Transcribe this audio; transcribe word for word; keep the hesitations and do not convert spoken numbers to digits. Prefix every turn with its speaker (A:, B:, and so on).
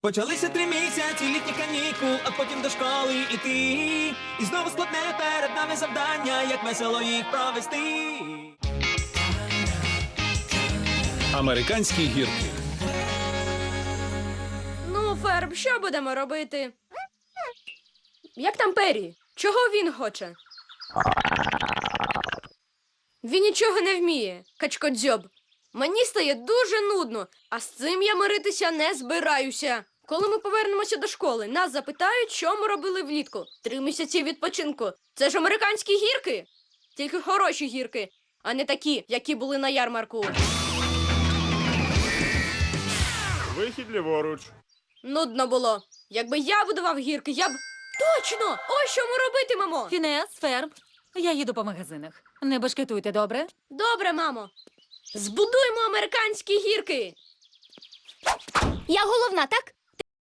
A: Почалися три місяці літніх канікул, а потім до школи іти. І знову складне перед нами завдання, як весело їх провести.
B: Американські гірки.
C: Ну, Ферб, що будемо робити? Як там Пері? Чого він хоче? Він нічого не вміє, качкодзьоб. Мені стає дуже нудно, а з цим я миритися не збираюся. Коли ми повернемося до школи, нас запитають, що ми робили влітку. Три місяці відпочинку. Це ж американські гірки. Тільки хороші гірки, а не такі, які були на ярмарку.
D: Вихід ліворуч.
C: Нудно було. Якби я будував гірки, я б... Точно! Ось що ми робитимемо!
E: Фінес, Ферб, я їду по магазинах. Не башкетуйте, добре?
C: Добре, мамо. Збудуємо американські гірки.
F: Я головна, так?